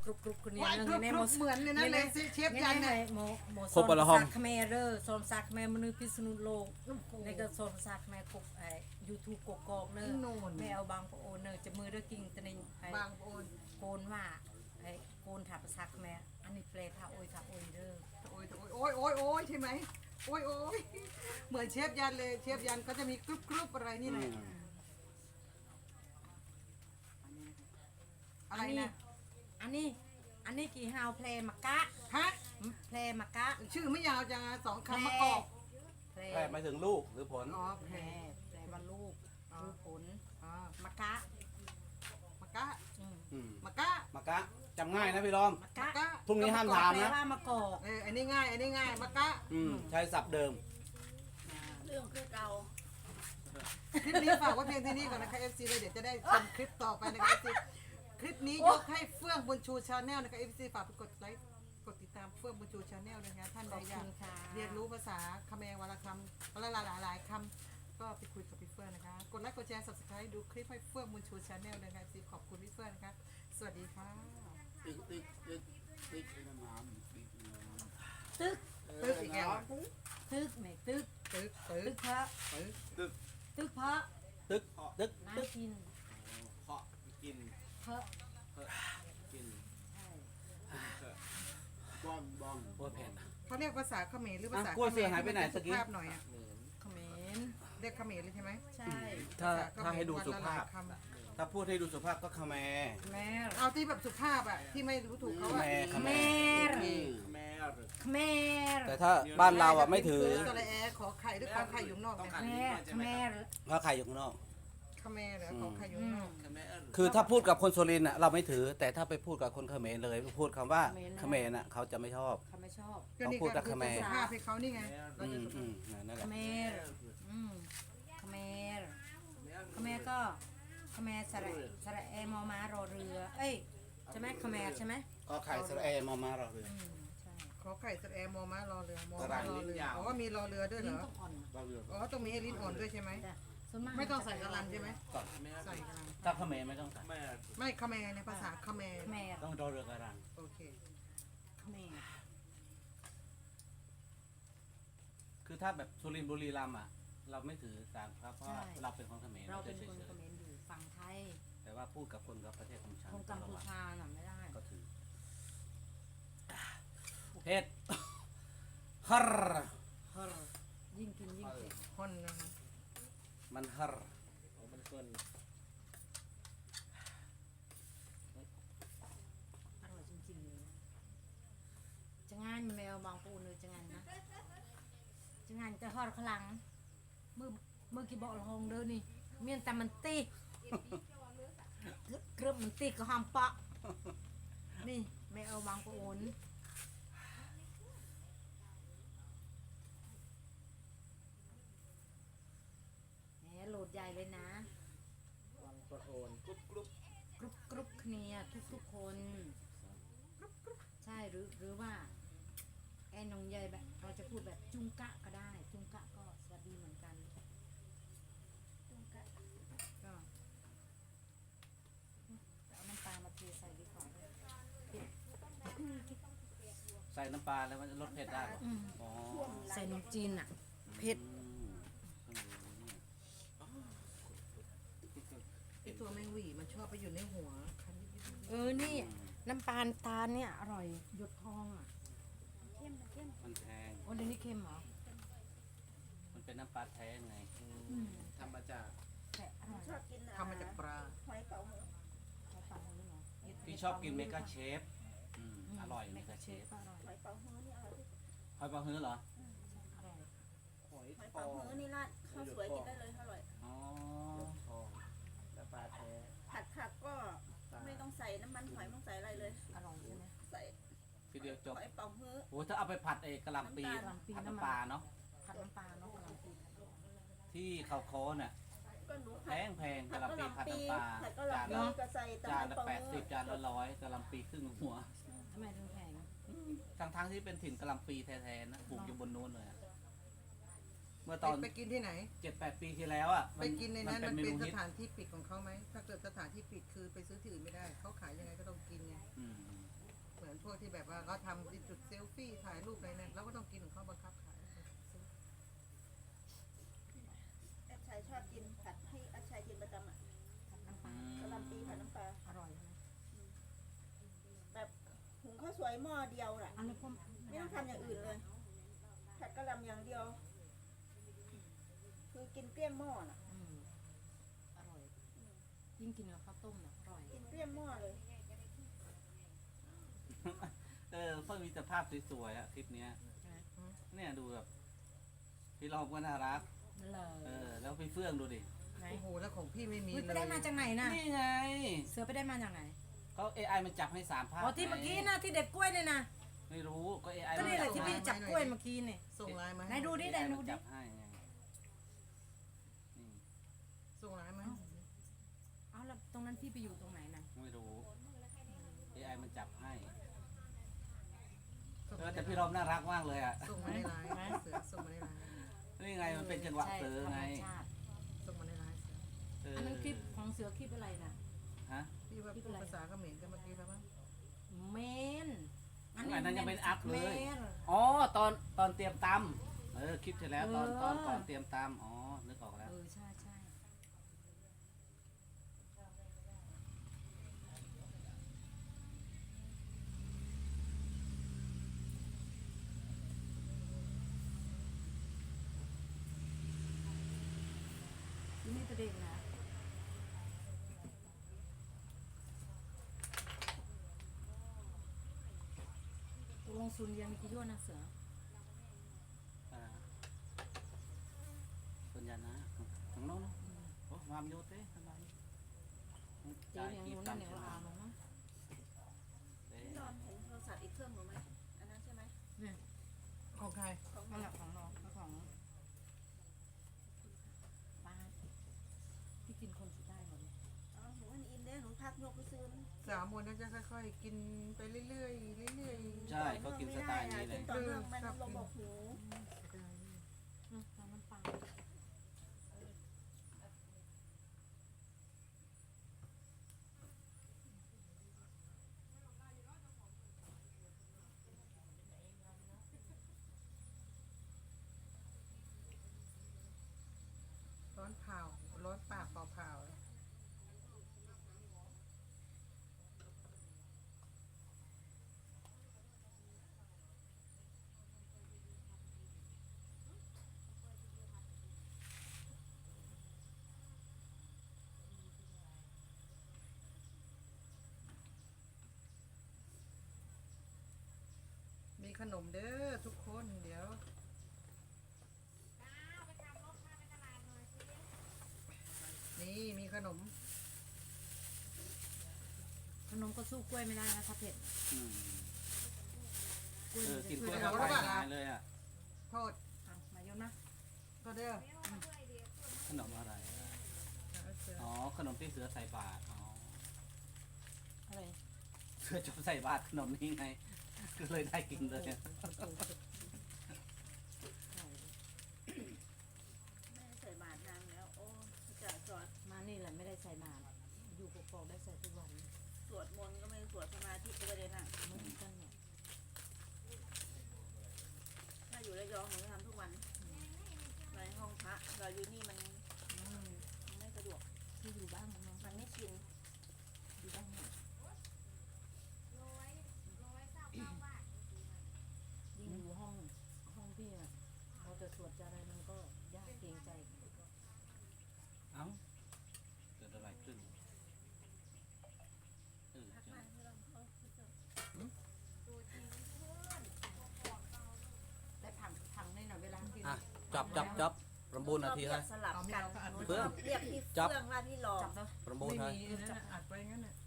กรุบคนนี้ว่านึงกรุบในกโมรุบเหมือนเลยนะเลยเชฟยันไงเนี่ยโมโซนซักแม่เด้อโซนซักแม่มนุษย์พิษณุโลกในก็โซนซักแม่กบยูทูบกกอกเนอแม่เอาบางปโอเนอจะมือเด้อกิ่งตะนิงบางโอนโกนว่าโกนถับซักแม่อันนี้เปลท่าโอยท่าโอยเด้อโอ้ยโอ้ยโอ้ยโอ้ยใช่ไหมโอ้ยโอ้ยเหมือนเชฟยันเลยเชฟยันก็จะมีกรุบกรุบอะไรนี่แหละอะไรนะอันนี้กี่ฮาวเพลมากะฮะเพลมากะชื่อไม่ยาวจังอะสองคำมะกอกเพลแพทย์หมายถึงลูกหรือผลอ๋อเพแพลรแปลว่าลูกคือผลอ๋อมากะมะกะอืมมะกะมากะจำง่ายนะพี่รอมมะมะกะกะพรุ่งนี้ห้ามถามแปลนะว่ามากอกอันนี้ง่ายอันนี้ง่ายมะกะใช้ศัพท์เดิมเรื่องคือเก่าคลิปนี้ฝากไว้เพียงเท่านี้ก่อนนะคะ FC เลยเดี๋ยวจะได้ชมคลิปต่อไปนะคะ FC คลิปนี้ยกให้เฟื่องบุญชูชาแนลนะคะ FC ฝากไปกดไลค์กดติดตามเฟื่องบุญชูชาแนลด้วยนะท่านขใดอบอยาคุกณค่ะเรียนรู้ภาษาคำแมงวันละคำวันละหลายๆคำก็ไปคุยกับพี่เฟื่องนะคะ กดไลค์กดแชร์ subscribe ดูคลิปให้เฟื่องบุญชูชาแนลนะคะ FC ขอบคุณพี่เฟื่องนะคะ สวัสดีค่ะติ๊กไอ้น้ำน้ำติ๊กน้ำตึกตึกอีกแล้วตึกไหนตึกตึกตึตึกกพระตึกตึกพระตึกตึกน้าตึกกินเพาะกินพระกินใช่บ้องบ้องโอ้ยเผ็ดเขาเรียกภาษาเขมรหรือภาษาอ่ะกล้วยเสือหายไปไหนที่มัตะกี้สุภาพหน่อยอ่ะเขมรเรียกเขมรเลยใช่ไหมใช่ถ้าให้ดูสุภาพวันละหลยคำถ้าพูดให้ดูสุภาพก็คาแมแม่เอาที่แบบสุภาพอ่ะที่ไม่รู้ถูกเขาคาอ่ะแมคาแมแม่แม่แต่ถ้าบ้านเราอ่ะไม่ถือสระแอขอไข่ด้วยขอไข่อยู่ข้างนอกเนี่ยแม่แม่เพราะใครอยู่ข้างนอกขแมรเหรอขอไข่อยู่ข้างนอกแม่คือถ้าพูดกับคนสุรินทร์อ่ะเราไม่ถือ แต่ถ้าไปพูดกับคนเขมรเลยพูดคำว่าเขมรน่ะเขาจะไม่ชอบเขาไม่ชอบก็นี่เขาพูดก็กับคือเขมรสุภาพให้เขานี่ไงเราอืจะมสุอืภาพมนั่นแหละเขมรเขมรก็เขมรสระแอมอม้ารอเรือ เอ้ยใช่ไหมเขมรใช่ไหมก็ไข่สระแอมอมาเราเลยใช่ขอไข่สระแอมอม้ารอเรือมอม้ารอเรืออ๋อมีรอเรือด้วยเหรลิ้นอต้องอ่อนเราเรืออ๋อต้องมีให้ลิ้นอ่อนด้วยใช่ไหมแต่ส่วนมากไม่ต้องใส่กระลันใช่ไหมแม่ใส่กระลันถ้าเขมรไม่ต้องใส่แม่ไม่ขแมรในภาษาขแมรเขมรต้องรอเรือกระรังโอเคเขมรคือถ้าแบบสุรินทร์บุรีรัมย์อ่ะ เราไม่ถือสารครับเพราะว่าเราเป็นคนเขมรเราเราเป็จะนเฉคนยเขมรอยู่ฝั่งไทยๆแต่ว่าพูดกับคนกับประเทศของฉันคนกัมพูชาน่ะไม่ได้ก็ถือเผ็ดฮัรเฮ้อยิ่งกินยิ่งเผ็ดฮอนนะคะมันฮัรมันเกินอร่อยจริงๆเลยจะงานแมวบางปูเลยจะงานนะจะงานจะทอดขลังมือกี่บอกละหงเด้อนี่เมียนแต่มันตีเครื่องมันตีก็หอมปะนี่แมวบางปูนแหมโหลดใหญ่เลยนะวางประโอนกรุ๊บกรุ๊บกรุ๊ปเนี่ยทุกคนใช่หรือว่าแอนนงใหญ่แบบเราจะพูดแบบจุงกะก็ได้ จุงกะก็สวัสดีเหมือนกันจุงกะก็เอาน้ำปลามาเทใส่ดีกว่าใส่น้ำปลาแล้วมันจะลดเผ็ดได้เหรออ๋อใส่นมจีนอ่ะเผ็ดไอตัวแมงหวีมันชอบไปอยู่ในหัวคันนิดนี่น้ำปลาตาลเนี่ยอร่อยหยดทองอ่ะมันแพงโอ้เดี๋ยวนี้เค็มเหรอมันเป็นน้ำปลาแท้ไงทำมาจากแต่อร่อยๆทำมาจากปลาใช้ปลาเลยเหรอพี่ชอบกินเมกาเชฟอร่อยเมกาเชฟก็อร่อยหอยปลาฮื้อเหรออร่อยหอยหอยปปัองมือนี่ราดข้าวสวยกินได้เลยอร่อยอ๋อทองและปลาแท้ผัดผักก็ไม่ต้องใส่น้ำมันหอยไม่ต้องใส่อะไรเลยอร่อยใช่ไหมใส่ทีเดียวจบหอยปังมือโอ้ถ้าเอาไปผัดเอกกะหล่ำปีกะหล่ำปีผัดน้ำมันน้ำปลาเนาะผัดน้ำปลาเนาะกะหล่ำปีที่เขาโค้น่ะก็หนูแพผัดงแพงผักะดหล่ำปีผัดน้ำปลาผัดก็จานลำปีละก็ใส่ตะจานไคร้ละปังมื 80จานละ100กะหล่ำปีครึ่งหัวทำไมถึงแพงทั้งที่เป็นถิ่นกะหล่ำปีแท้ๆนะปลูกอยู่บนนู้นเลยอะเมื่อตอนไปกินที่ไหน 7-8 ปีที่แล้วอ่ะไปกินในนั้นมันเมเป็นนูสฮิตถานที่ปิดของเขาไหมถ้าเกิดสถานที่ปิดคือไปซื้อที่อื่นไม่ได้เขาขายยังไงก็ต้องกินไงอืมพวกที่แบบว่าเขาทำที่จุดเซลฟี่ถ่ายรูปอะไรเนี่ยเราก็ต้องกินของเขาบังคับขายแอดชัยชอบกินผัดให้แอดชัยกินประจำอ่ะผัดน้ำปลากะหล่ำปีผัดน้ำปลาอร่อยใช่ไหมแบบหุงข้าวสวยหม้อเดียวน่ะอันนี้พวกไม่ต้องทำอย่างอื่นเลยผัดกะหล่ำอย่างเดียว คือกินเกลี้ยงหม้อน่ะอร่อยยิ่งกินกับข้าวต้มน่ะอร่อยกินเกลี้ยงหม้อเลยเพิ่งมีแต่ภาพสวยๆอะคลิปเนี้ยเนี่ยดูแบบพี่รอบก็น่ารักนั่นเลยแล้วพี่เฟื่องดูดิไหนโอ้โหแล้วของพี่ไม่มีอุ๊ยเลไปยได้มาจากไหนน่ะนี่ไงเสือไปได้มาจากไหนก็ AI มันจับให้3 ภาพอ๋อที่เมื่อกี้นะที่เด็ดกล้วยเนี่ยนะไม่รู้ก็ AI ก็นี่แหละมัที่พี่จับกล้วยเมื่อกี้เนี่ยส่งไลน์มาไหนดูดิ AI มันจับให้ไงนี่ส่งไลน์มาเอาแล้วตรงนั้นพี่ไปอยู่ตรงไหนน่ะไม่รู้ AI มันจับให้ส่งมาแต่พี่รอบน่ารักมากเลยอ่ะส่งมาในไลน์เสือส่งมาในไลน์นี่ไงมันเป็นจังหวะใช่เสือไงธรรมชาติส่งมาในไลน์เสืออันนั้นคลิปของเสือคลิปอะไรน่ะฮะพี่ว่าพูดภาษาเขมรกันเมื่อกี้แล้วมั้งเมนอันนั้นยังเป็นอัพเลยมนอ๋อตอนเตรียมตำคลิปที่แล้วตอนก่อนเตรียมตำอ๋อนึกออกแล้วใช่ใช่ที่นี่ประเด็นนะตกลงซุนเรียนมีกี่ยั่วนะเสือส่วนใหญ่นะของน้องโอ้ความโยเต้ทำไมเจ๊เลี้ยงนู้นนั่นเลี้ยงเราเนาะพี่นอนเห็นโทรศัพท์อีกเครื่องหนูไหมอันนั้นใช่ไหมเนี่ยของใครของหนั่นูนแหละของน้องของป้าพี่กินคนสุดได้หมดเลยอ๋อหนูว่าอินเด้หนูพักยกไปซื้อ 3 วันนั้นจะค่อยๆกินไปเรื่อยๆเรื่อยใช่เขากินสไตล์นี้เลยกินต่อเนื่องมันระบบหูน้ำมันปลาๆร้อนเผาร้อนปากเผาๆ มีขนมเด้อทุกคนเดี๋ยวนี่มีขนมขนมก็สู้กล้วยไม่ได้นะถ้าเผ็ดอืมกล้วยมันจะกินช่กวยล้วยได้เข้าไปหายเลยอ่ะโทษมาโยนนะโทษเด้อขนมอะไรอ๋อขนมที่เสือใส่บาตรอ๋ออะไรเสือจบใส่บาตรขนมนี้ไงก็เลยได้กินเลยแม่ใส่บาตรนางแล้วโอ้จะสวดมานี่แหละไม่ได้ใส่บาตรอยู่กอกๆได้ใส่ทุกวันสวดมนต์ก็ไม่สวดสมาธิก็ไม่ได้นั่งเหมือนกันเนี่ยถ้าอยู่ระยองหนูจะทำทุกวันในห้องพระเราอยู่นี่มันไม่สะดวกที่อยู่บ้านมันมันไม่ชินอยู่บ้านเนี่ยยิ่งอยู่ห้องพี่อ่ะเราจะสวดจะอะไรมันก็ยากเกรงใจเอ้าเกิดอะไรขึ้นเออพักเจอบ้านที่เราเขาคือจะได้ผังนี่หน่อยเวลากินอ่ะจับรำบูนนาทีเรีให้ยกสลับกันหนูเพื่อนเรียกพี่จับเฟื่องว่าพี่หลอกจับแล้วรำบูนไม่ให้มีจับอัดไว้งั้นน่ะ